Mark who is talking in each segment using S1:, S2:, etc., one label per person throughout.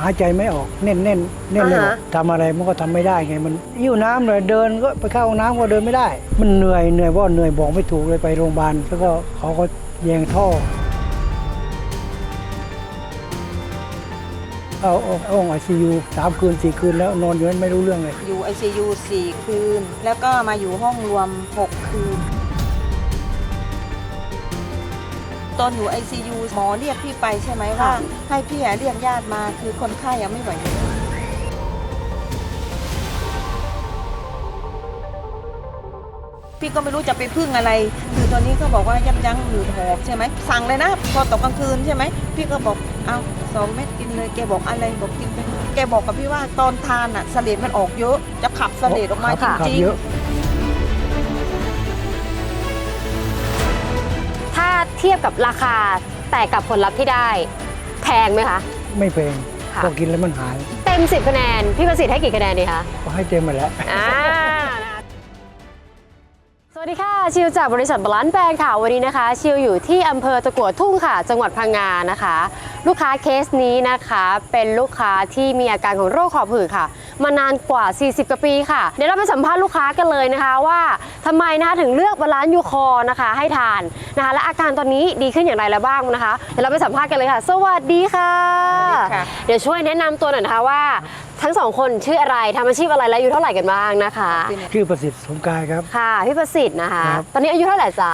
S1: ายใจไม่ออกแน่นเลยทำอะไรมันก็ทำไม่ได้ไงมันหิ้วน้ำเลยเดินก็ไปเข้าห้องน้ำก็เดินไม่ได้มันเหนื่อยว่าเหนื่อยบอกไม่ถูกเลยไปโรงพยาบาลแล้วก็เขาก็แยงท่อเอาห้องICU 3 คืน 4 คืนแล้วนอนอยู่นั้นไม่รู้เรื่องเลย
S2: อยู่ ICU 4 คืนแล้วก็มาอยู่ห้องรวม6 คืนตอนอยู่ ICU หมอเรียกพี่ไปใช่ไหมว่าให้พี่เรียกญาติมาคือคนไข้ยังไม่ไหวพี่ก็ไม่รู้จะไปพึ่งอะไรคือตอนนี้ก็บอกว่ายั้งหืดหอบใช่ไหมสั่งเลยนะพอตกกลางคืนใช่ไหมพี่ก็บอกเอา2 เม็ดกินเลยแกบอกอะไรบอกกินไปแกบอกกับพี่ว่าตอนทานอ่ะเสลดมันออกเยอะจะขับเสลดออกมาจริง
S3: ถ้าเทียบกับราคาแต่กับผลลัพธ์ที่ได้แพงไหมคะ
S1: ไม่แพงพอกินแล้วมันหาย
S3: เต็ม10 คะแนนพี่ประสิทธิ์ให้กี่คะแนนดีคะ
S1: ก็ให้เต็มหมดแล้ว
S3: สวัสดีค่ะชิวจากบริษัทบาลานซ์แบรนด์ค่ะวันนี้นะคะชิวอยู่ที่อำเภอตะกั่วทุ่งค่ะจังหวัดพังงานะคะลูกค้าเคสนี้นะคะเป็นลูกค้าที่มีอาการของโรคหอบหืดค่ะมานานกว่า40 กว่าปีค่ะเดี๋ยวเราไปสัมภาษณ์ลูกค้ากันเลยนะคะว่าทำไมนะคะถึงเลือกบาลานซ์ยูคอร์นะคะให้ทานนะคะและอาการตอนนี้ดีขึ้นอย่างไรแล้วบ้างนะคะเดี๋ยวเราไปสัมภาษณ์กันเลยค่ะสวัสดีค่ะเดี๋ยวช่วยแนะนำตัวหน่อยนะคะว่าทั้ง2 คนชื่ออะไรทำอาชีพอะไรและอายุเท่าไหร่กันบ้างนะคะ
S1: ชื่อประสิทธิ์สมกายครับ
S3: ค่ะพี่ประสิทธิ์นะคะตอนนี้อายุเท่าไหร่จ๊ะ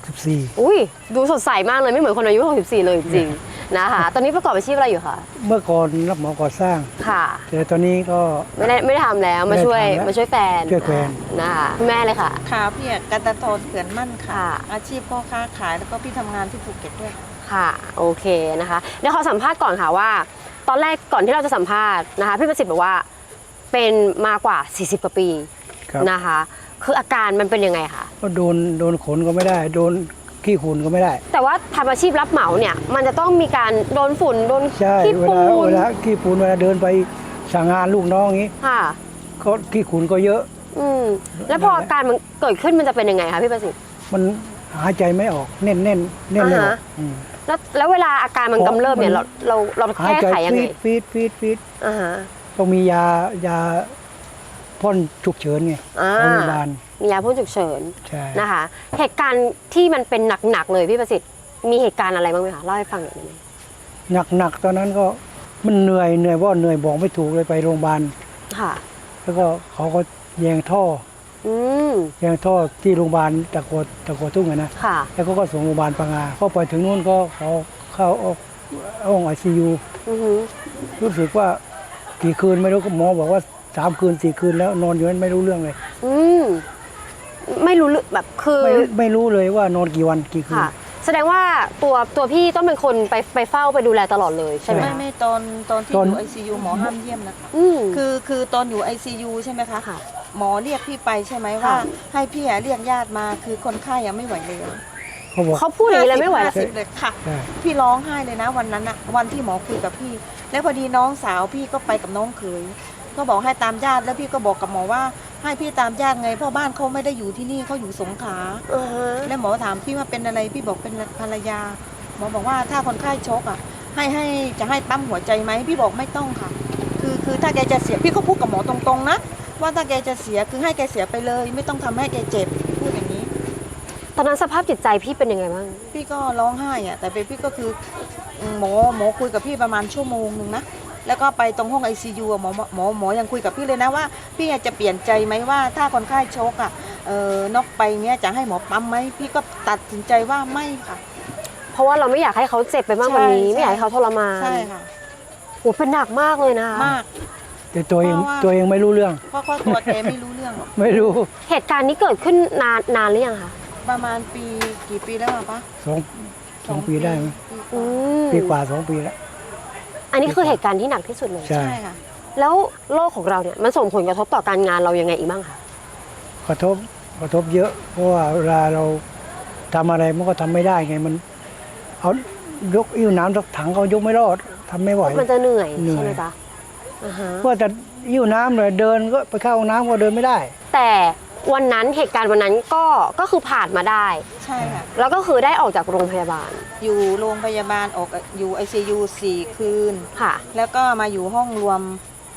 S1: 64
S3: อุ้ยดูสดใสมากเลยไม่เหมือนคนอายุ64เลยจริงๆนะคะตอนนี้ประกอบอาชีพอะไรอยู่คะ
S1: เมื่อก่อนรับเหมาก่อสร้าง
S3: ค่ะ
S1: แต่ตอนนี้ก็
S3: ไม่ได้ทำแล้วมาช่วยแฟนนะคะคุณแม่เลยค่ะ
S2: ค่ะพี่กันตะทนเขื่อนมั่นค่ะอาชีพพ่อค้าขายแล้วก็พี่ทำงานที่ภูเก็ตด้วย
S3: ค่ะโอเคนะคะเดี๋ยวขอสัมภาษณ์ก่อนค่ะว่าตอนแรกก่อนที่เราจะสัมภาษณ์นะคะพี่ประสิทธิ์บอกว่าเป็นมากว่า40 กว่าปีนะคะคืออาการมันเป็นยังไงคะ
S1: ก็โดนขนก็ไม่ได้โดนขี้ฝุ่นก็ไม่ได้
S3: แต่ว่าทำอาชีพรับเหมาเนี่ยมันจะต้องมีการโดนฝุ่นโดนขี้
S1: ฝุ่นเวลาขี้ฝุ่นเวลาเดินไปสั่งงานลูกน้องอย่างนี้
S3: ค่ะ
S1: ก็ขี้ฝุ่นก็เยอะ
S3: แล้วพออาการมันเกิดขึ้นมันจะเป็นยังไงคะพี่ประสิทธิ์
S1: มันหายใจไม่ออกแน่นเลย
S3: แล้วเวลาอาการมันกำเริบเนี่ยเราแก้ไขยังไง
S1: ฟีดต้องมียาพ่นฉุกเฉินไงโรงพยาบาล
S3: มียาพ่นฉุกเฉินนะคะเหตุการณ์ที่มันเป็นหนักๆเลยพี่ประสิทธิ์มีเหตุการณ์อะไรบ้างไหมคะเล่าให้ฟังหน่อยได้ไหม
S1: หนักตอนนั้นก็มันเหนื่อยว่าเหนื่อยบอกไม่ถูกเลยไปโรงพยาบาล
S3: ค่ะ
S1: แล้วก็เขาก็แยงท่อที่โรงพยาบาลตะกัวทุ่งนะแล้วก็ส่งโรงพยาบาลพังงาเข้าไปถึงนู่นก็เขาเข้าห้องICUรู้สึกว่ากี่คืนไม่รู้หมอบอกว่า3 คืน 4 คืนแล้วนอนอยู่นั้นไม่รู้เรื่องเลย
S3: ไม่รู้แบบคือ
S1: ไม่รู้เลยว่านอนกี่วันกี่คืน
S3: แสดงว่าตัวพี่ต้องเป็นคนไปเฝ้าไปดูแลตลอดเลยใช่ไหม
S2: ไม่ตอนที่อยู่ ICU หมอห้ามเยี่ยมนะคะคือตอนอยู่ ICU ใช่ไหมคะหมอเรียกพี่ไปใช่ไหมว่าให้พี่เรียกญาติมาคือคนไข้ยังไม่ไหวเลย
S3: เขาพูดอย่างนี้เลยไม่ไหว
S2: เลยค่ะพี่ร้องไห้เลยนะวันนั้นอะวันที่หมอคุยกับพี่แล้วพอดีน้องสาวพี่ก็ไปกับน้องเขยก็บอกให้ตามญาติแล้วพี่ก็บอกกับหมอว่าให้พี่ตามญาติไงเพราะบ้านเขาไม่ได้อยู่ที่นี่เขาอยู่สงขลาแล้วหมอถามพี่ว่าเป็นอะไรพี่บอกเป็นภรรยาหมอบอกว่าถ้าคนไข้ช็อกอ่ะจะให้ปั๊มหัวใจไหมพี่บอกไม่ต้องค่ะคือถ้าแกจะเสียพี่ก็พูดกับหมอตรงๆนะว่าถ้าแกจะเสียคือให้แกเสียไปเลยไม่ต้องทำให้แกเจ็บพูดอย่างนี้
S3: ตอนนั้นสภาพจิตใจพี่เป็นยังไงบ้าง
S2: พี่ก็ร้องไห้อ่ะแต่พี่ก็คือหมอคุยกับพี่ประมาณ1 ชั่วโมงนะแล้วก็ไปตรงห้อง ICU หมอยังคุยกับพี่เลยนะว่าพี่จะเปลี่ยนใจไหมว่าถ้าคนไข้โชกน็อกไปเนี้ยจะให้หมอปั๊มไหมพี่ก็ตัดสินใจว่าไม่ค่ะ
S3: เพราะว่าเราไม่อยากให้เขาเจ็บไปมากกว่านี้ไม่อยากให้เขาทรมาน
S2: ใช่ค่ะ
S3: โอ้เป็นหนักมากเลยนะ
S2: มาก
S1: แต่ตัวเองไม่รู้เรื่อง
S2: เพราะตัวแกไม่รู้เรื่องหรอก
S1: ไม่รู้
S3: เหตุการณ์นี้เกิดขึ้นนานหรือยังคะ
S2: ประมาณกี่ปีแล้วปะ
S1: 2 ปีได้ไหมปีกว่า2 ปีแล้ว
S3: อันนี้คือเหตุการณ์ที่หนักที่สุดเลย
S1: ใช่
S2: ค่ะ
S3: แล้วโรคของเราเนี่ยมันส่งผลกระทบต่อการงานเรายังไงอีกบ้างคะ
S1: กระทบเยอะเพราะว่าเวลาเราทำอะไรมันก็ทำไม่ได้ไงมันเอายกอิ่วน้ำถังเขายกไม่รอดทำไม่ไหว
S3: มันจะเหนื่อยใช่ไหมจ๊ะ
S1: เพราะแต่อิ่วน้ำเลยเดินก็ไปเข้าห้องน้ำก็เดินไม่ได้
S3: แต่วันนั้นเหตุการณ์วันนั้นก็คือผ่านมาได้
S2: ใช่ค่ะ
S3: แล้วก็คือได้ออกจากโรงพยาบาล
S2: อยู่โรงพยาบาลออกอยู่ ICU 4 คืน
S3: ค่ะ
S2: แล้วก็มาอยู่ห้องรวม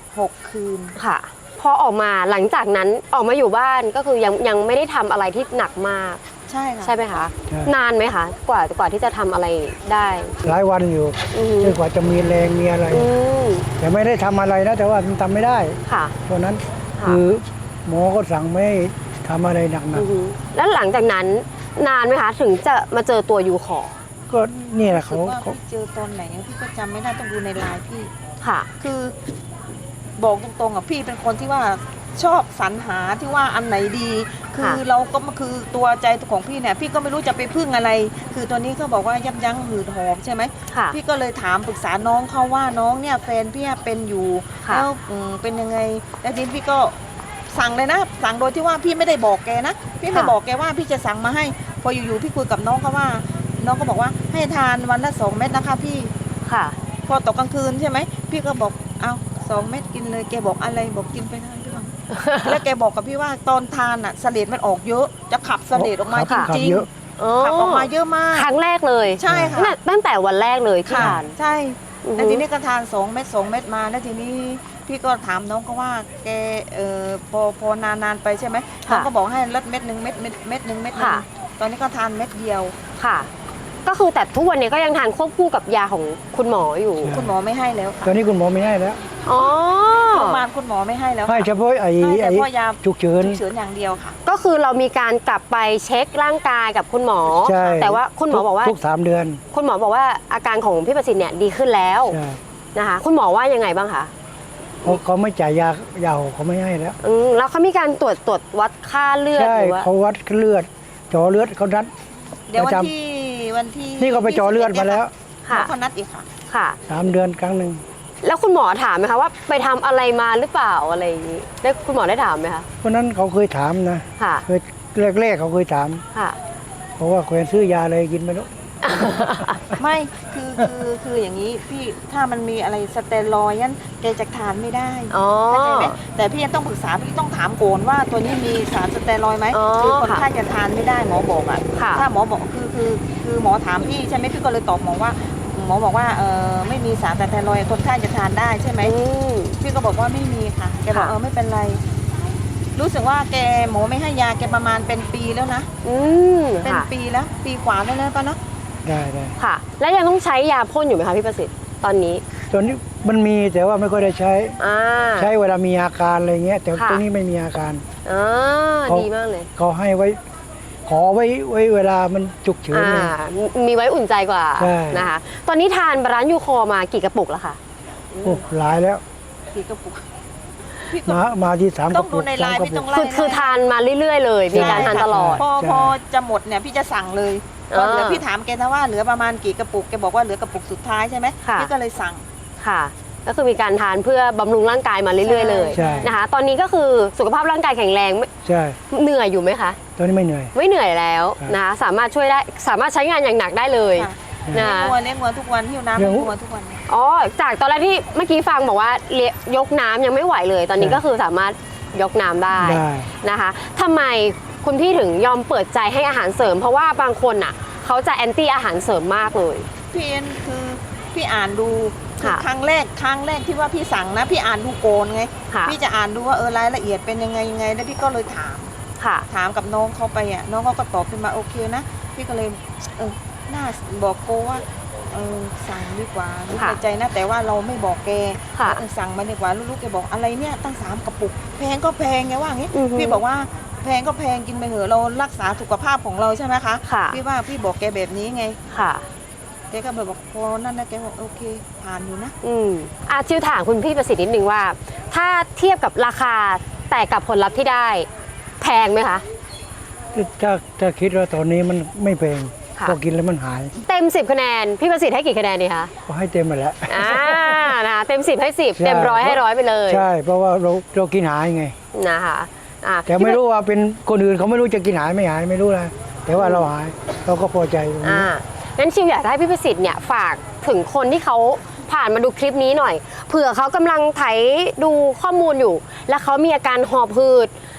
S2: 6 คืน
S3: ค่ะ พอออกมาหลังจากนั้นออกมาอยู่บ้านก็คือยังไม่ได้ทำอะไรที่หนักมาก
S2: ใช่ค่ะ
S3: ใช่ไหมคะ
S1: ใช่
S3: นานไหมคะกว่าที่จะทำอะไรได้
S1: หลายวันอยู่
S3: อือฮึ
S1: จนกว่าจะมีแรงมีอะไร
S3: อืม
S1: แต่ไม่ได้ทำอะไรนะแต่ว่ามันทำไม่ได้
S3: ค่ะ
S1: เพราะนั้น
S3: ค่ะ
S1: คือหมอก็สั่งไม่ให้ทำอะไรหนัก
S3: อือฮึแล้วหลังจากนั้นนานไหมคะถึงจะมาเจอตัวยูคอร์
S1: ๆก็นี่แหละ
S2: รู้สึ
S1: เขา
S2: กว่า
S1: เขา
S2: พี่เจอตอนไหนพี่ก็จำไม่ได้ต้องดูในไลน์พี่
S3: ค่ะ
S2: คือบอกตรงๆอ่ะพี่เป็นคนที่ว่าชอบสรรหาที่ว่าอันไหนดี คือ
S3: ค่ะ
S2: เราก็คือตัวใจของพี่เนี่ยพี่ก็ไม่รู้จะไปพึ่งอะไร คือตัวนี้เขาบอกว่ายับยั้งหืดหอบใช่ไหม
S3: ค่ะ
S2: พี่ก็เลยถามปรึกษาน้องเขาว่าน้องเนี่ยแฟนพี่เป็นอยู่
S3: ค่ะ
S2: แล้วเป็นยังไงแล้วทีนี้พี่ก็สั่งเลยนะสั่งโดยที่ว่าพี่ไม่ได้บอกแกนะพี่ไม่บอกแกว่าพี่จะสั่งมาให้ พออยู่ๆพี่คุยกับน้องเขาว่า น้องก็บอกว่าให้ทานวันละ2 เม็ดนะคะพี่
S3: ค่ะ
S2: พอตกกลางคืนใช่ไหมพี่ก็บอกเอา2 เม็ดกินเลยแกบอกอะไรบอกกินไปทานพี่ว่า แล้วแกบอกกับพี่ว่าตอนทานอ่ะเสลดมันออกเยอะ จะขับเสลดออกมาจ
S3: ค่ะ
S2: ริง
S1: เยอะ
S2: ๆขับออกมาเยอะมาก
S3: ครั้งแรกเลย
S2: ใช่ค่ะ
S3: ตั้งแต่วันแรกเลยที่
S2: ค่ะ
S3: ทาน
S2: ใช่
S3: อือฮึ
S2: แล้วทีนี้ก็ทาน2 เม็ด2 เม็ดมาแล้วทีนี้พี่ก็ถามน้องก็ว่าแกพอนานๆไปใช่ไหมน้องก็บอกให้ลดเม็ดหนึ่งเม็ดหนึ่งเม็ดหนึ่งตอนนี้ก็ทานเม็ดเดียว
S3: ค่ะ ก็คือแต่ทุกวันนี้ก็ยังทานควบคู่กับยาของคุณหมออยู่
S1: ใช่
S2: คุณหมอไม่ให้แล้วค่ะ
S1: ตอนนี้คุณหมอไม่ให้แล้ว
S3: อ๋อ
S2: โรงพยาบาลคุณหมอไม่ให้แล้วค่ะ
S1: ให้เฉพาะไอ้
S2: ให้แต่
S1: ไอ้
S2: พอยา
S1: ฉุกเฉิน
S2: ฉุกเฉินอย่างเดียวค่ะ
S3: ก็คือเรามีการกลับไปเช็คร่างกายกับคุณหมอ
S1: ใช่
S3: แต่ว่าคุณหมอบอกว่า
S1: ทุก3 เดือน
S3: คุณหมอบอกว่าอาการของพี่ประสิทธิ์เนี่ยดีขึ้นแล้ว
S1: ใช่
S3: นะคะ คุณหมอว่ายังไงบ้างคะ
S1: เขาไม่จ่ายยาเขาไม่ให้แล้ว
S3: แล้วเขามีการตรวจวัดค่าเลือด
S1: ใช่
S3: หรือว่า
S1: เขาวัดเลือดเจาะเลือดเขานัด
S2: เดี๋ยว
S1: ประจำ
S2: วันที่
S1: นี่ก็ไปเจาะเลือดมาแล้ว
S2: หม
S3: ค่ะ
S2: อเขานัดอีกค่ะ
S3: ค่ะ
S1: 3 เดือนครั้งหนึ่ง
S3: แล้วคุณหมอถามไหมคะว่าไปทำอะไรมาหรือเปล่าอะไรอย่างนี้ได้คุณหมอได้ถามไหมคะ
S1: เพราะนั้นเขาเคยถามนะ
S3: ค่ะ
S1: เคยแรกๆเขาเคยถาม
S3: ค่ะ
S1: เพราะว่าแควนซื้อยาอะไรกินไม่รู้
S2: ไม่คืออย่างนี้พี่ถ้ามันมีอะไรสเตียรอยด์นั้นแกจะทานไม่ได้
S3: อ๋อ
S2: เข้าใจไหมแต่พี่ยังต้องปรึกษาพี่ต้องถามก่อนว่าตัวนี้มีสารสเตียรอยด์ไหม
S3: อ๋อ
S2: คือคน
S3: ค่ะ
S2: ไข้จะทานไม่ได้หมอบอกอ่ะ
S3: ค่ะ
S2: ถ้าหมอบอกคือหมอถามพี่ใช่ไหมพี่ก็เลยตอบหมอว่าหมอบอกว่าไม่มีสารสเตียรอยด์คนไข้จะทานได้ใช่ไหม
S3: อืม
S2: พี่ก็บอกว่าไม่มีค่ะแกบอก
S3: ค่ะ
S2: ไม่เป็นไร รู้สึกว่าแกหมอไม่ให้ยาแกประมาณเป็นปีแล้วนะ
S3: อืม
S2: เป็น
S3: ค่ะ
S2: ปีแล้วปีกว่าแล้วนะป้าเนาะ
S1: ได้
S3: ค่ะ แล้วยังต้องใช้ยาพ่นอยู่ไหมคะพี่ประสิทธิ์ตอนนี้
S1: ตอนนี้มันมีแต่ว่าไม่ค่อยได้ใช้
S3: อ่า
S1: ใช้เวลามีอาการอะไรเงี้ย แต่
S3: ค่ะ
S1: ตรงนี้ไม่มีอาการ
S3: อ่า
S1: เขา
S3: ดีมากเลย
S1: เขาให้ไว้ ขอไว้เวลามันฉุกเฉิน
S3: อ่า
S1: เลย
S3: มีไว้อุ่นใจกว่า
S1: ใช่
S3: นะคะ ตอนนี้ทานบาลานซ์ยูคอมากี่กระปุกแล้วคะ
S1: โอ้หลายแล้ว
S2: พี่ก็ปุกพี่ก็
S1: มาที่3 ก
S2: ต้
S1: ระ
S2: อง
S1: ปุ
S2: ดู
S1: ก
S2: ในไลน์
S1: 3 กระ
S2: พี่
S1: ปุ
S2: ต้
S1: ก
S2: องไล่
S3: คือทานมาเรื่อยๆเลย มีการทานตลอด
S2: พอ
S1: ใช่
S2: พอจะหมดเนี่ยพี่จะสั่งเลยพอเหลือพี่ถามแกนะว่าเหลือประมาณกี่กระปุกแกบอกว่าเหลือกระปุกสุดท้ายใช่ไหม
S3: ค่ะ
S2: พี่ก็เลยสั่ง
S3: ค่ะ ก็คือมีการทานเพื่อบำรุงร่างกายมาเรื่อยๆเลย
S1: ใช่
S3: นะคะ ตอนนี้ก็คือสุขภาพร่างกายแข็งแรงไม่
S1: ใช่
S3: เหนื่อยอยู่ไหมคะ
S1: ตอนนี้ไม่เหนื่อย
S3: ไม่เหนื่อยแล้ว
S1: ครับ
S3: นะคะ สามารถช่วยได้ สามารถใช้งานอย่างหนักได้เลย
S2: ค่ะ
S3: นะคะ
S2: เลี้ยงวัวทุกวันหิ้วน้ำ
S1: เลี้
S2: ให้
S1: ยง
S2: วัวทุกวัน
S3: อ๋อ จากตอนแรกที่เมื่อกี้ฟังบอกว่ายกน้ำยังไม่ไหวเลย ตอนนี้
S1: ใช่
S3: ก็คือสามารถยกน้ำได้
S1: ได้
S3: นะคะทำไมคุณพี่ถึงยอมเปิดใจให้อาหารเสริม เพราะว่าบางคนอ่ะเขาจะแอนตี้อาหารเสริมมากเลย
S2: พี่เอ็นคือพี่อ่านดูคือ
S3: ค่ะ
S2: ครั้งแรกที่ว่าพี่สั่งนะพี่อ่านดูโกนไง
S3: ค่ะ
S2: พี่จะอ่านดูว่ารายละเอียดเป็นยังไงแล้วพี่ก็เลยถาม
S3: ค่ะ
S2: ถามกับน้องเขาไปอ่ะน้องเขาก็ตอบขึ้นมาโอเคนะพี่ก็เลยน่าบอกโกว่าสั่งดีกว่ารู้
S3: ค่ะ
S2: ในใจนะแต่ว่าเราไม่บอกแก
S3: ค่ะ
S2: สั่งมาดีกว่าลูกๆแกบอกอะไรเนี่ยตั้ง3 กระปุกแพงก็แพงไงว่าอย่างงี้
S3: อือฮึ
S2: พี่บอกว่าแพงก็แพงกินไปเหอะเรารักษาสุขภาพของเราใช่ไหมคะ
S3: ค่ะ
S2: พี่ว่าพี่บอกแกแบบนี้ไง
S3: ค่ะ
S2: แกก็เลยบอกพอนั่นนะแกบอกโอเคผ่านอยู่นะ
S3: ชิวถามคุณพี่ประสิทธิ์นิดนึงว่า ถ้าเทียบกับราคาแต่กับผลลัพธ์ที่ได้แพงไหมคะ
S1: ถ้าคิดว่าตอนนี้มันไม่แพง
S3: ค่ะ
S1: พอกินแล้วมันหาย
S3: เต็ม 10 คะแนน พี่ประสิทธิ์ให้กี่คะแนนดีคะ
S1: ก็ให้เต็มมาแล้ว
S3: นะคะเต็ม 10 ให้ 10
S1: ใช่
S3: เต็ม100ให้100ไปเลย
S1: ใช่ เพราะว่าเรากินหายไง
S3: นะคะ
S1: แต่ไม่รู้ว่าเป็นคนอื่นเขาไม่รู้จะกินหายไม่หายไม่รู้นะแต่ว่าเราหายเราก็พอใจตรงนี้
S3: งั้นชิวอยากจะให้พี่ประสิทธิ์เนี่ยฝากถึงคนที่เขาผ่านมาดูคลิปนี้หน่อยเผื่อเขากำลังไถดูข้อมูลอยู่ แล้วเขามีอาการหอบหืด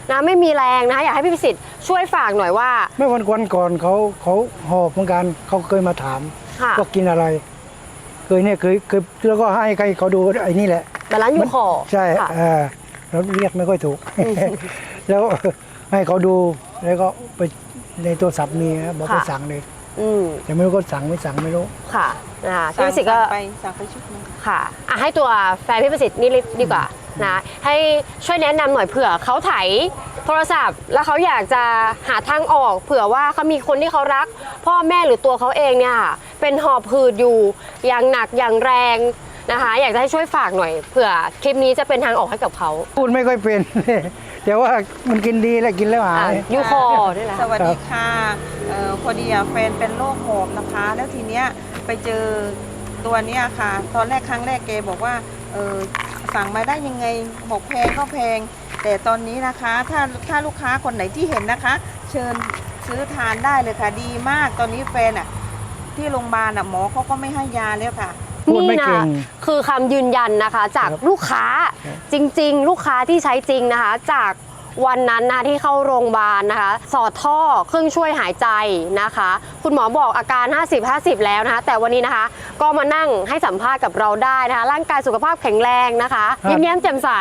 S3: นะไม่มีแรงนะคะอยากให้พี่ประสิทธิ์ช่วยฝากหน่อยว่า
S1: เมื่อวันก่อนเขาหอบเหมือนกันเขาเคยมาถาม
S3: ค่ะ
S1: ว่ากินอะไร เคยแล้วก็ให้ใครเขาดูไอ้นี่แหละ
S3: บาลานซ์ยูคอร์
S1: ใช่
S3: ค่ะ
S1: เราเรียกไม่ค่อยถูก แล้วให้เขาดูแล้วก็ไปในโทรศัพท์มีนะบอกไปสั่งเลย แต่ไม่รู้ก็สั่งไม่สั่งไม่รู้
S3: ค่ะนะคะพี่ประสิทธิ์ก็
S2: สั่งไปชุดนึง
S3: ค่ะให้ตัวแฟนพี่ประสิทธิ์นี่ดีกว่านะให้ช่วยแนะนำหน่อยเผื่อเขาไถโทรศัพท์ แล้วเขาอยากจะหาทางออก เผื่อว่าเขามีคนที่เขารัก พ่อแม่หรือตัวเขาเองเนี่ยค่ะเป็นหอบหืดอยู่อย่างหนักอย่างแรงนะคะอยากจะให้ช่วยฝากหน่อยเผื่อคลิปนี้จะเป็นทางออกให้กับเขา
S1: พูดไม่ค่อยเป็น แต่ว่ามันกินดีแล้วกินแล้วหาย
S3: ยูคอนี่แหละ
S2: สวัสดีค่ะพอดีแฟนเป็นโรคหอบนะคะ แล้วทีเนี้ยไปเจอตัวเนี้ยค่ะ ตอนแรกครั้งแรกแกบอกว่าสั่งมาได้ยังไงบอกแพงก็แพง แต่ตอนนี้นะคะถ้าลูกค้าคนไหนที่เห็นนะคะ เชิญซื้อทานได้เลยค่ะดีมากตอนนี้แฟนที่โรงพยาบาลหมอเขาก็ไม่ให้ยาแล้วค่ะ
S1: พูดไม่
S3: นี่
S1: เก่
S3: นะ
S1: ง
S3: คือคำยืนยันนะคะจาก
S1: ครับ
S3: ลูกค้า
S1: ครับ
S3: จริงๆ ลูกค้าที่ใช้จริงนะคะจากวันนั้นนะที่เข้าโรงพยาบาลนะคะสอดท่อเครื่องช่วยหายใจนะคะ คุณหมอบอกอาการ 50-50 แล้วนะคะ แต่วันนี้นะคะก็มานั่งให้สัมภาษณ์กับเราได้นะคะร่างกายสุขภาพแข็งแรงนะคะยิ้มแย้มแจ่มใส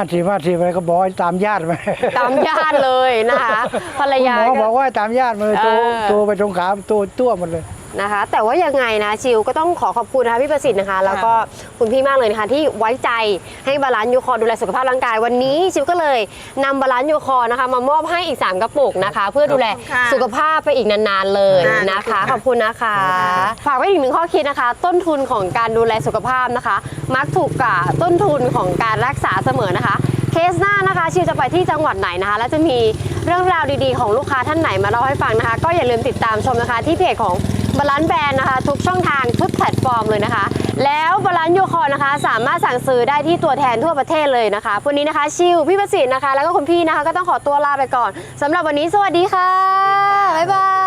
S1: 50อะไรก็บอกให้ตามญาติไป
S3: ตามญาติเลยนะคะภรรยา
S1: หมอ
S3: ก็
S1: บอกว่าตามญาติมาเลยโทรไปตรงขาตัวหมดเลย
S3: นะคะแต่ว่ายังไงนะชิวก็ต้องขอบคุณนะคะพี่ประสิทธิ์นะคะแล้วก็คุณพี่มากเลยนะคะที่ไว้ใจให้บาลานซ์ยูคอร์ดูแลสุขภาพร่างกายวันนี้ชิวก็เลยนำบาลานซ์ยูคอร์นะคะมามอบให้อีก3กระปุกนะคะเพื่อดูแล
S2: ขอบคุณค่ะ
S3: สุขภาพไปอีกนานๆเลยนะคะขอบคุณนะคะ ฝากไว้อีกหนึ่งข้อคิดนะคะ ต้นทุนของการดูแลสุขภาพนะคะ มักถูกกว่าต้นทุนของการรักษาเสมอนะคะ เคสหน้านะคะชิวจะไปที่จังหวัดไหนนะคะแล้วจะมีเรื่องราวดีๆของลูกค้าท่านไหนมาเล่าให้ฟังนะคะ ก็อย่าลืมติดตามชมนะคะที่เพจของบาลานซ์แบรนด์นะคะทุกช่องทางทุกแพลตฟอร์มเลยนะคะ แล้วบาลานซ์ยูคอร์นะคะสามารถสั่งซื้อได้ที่ตัวแทนทั่วประเทศเลยนะคะวันนี้นะคะชิวพี่ประสิทธิ์นะคะแล้วก็คุณพี่นะคะก็ต้องขอตัวลาไปก่อนสำหรับวันนี้สวัสดีค่ะบ๊ายบาย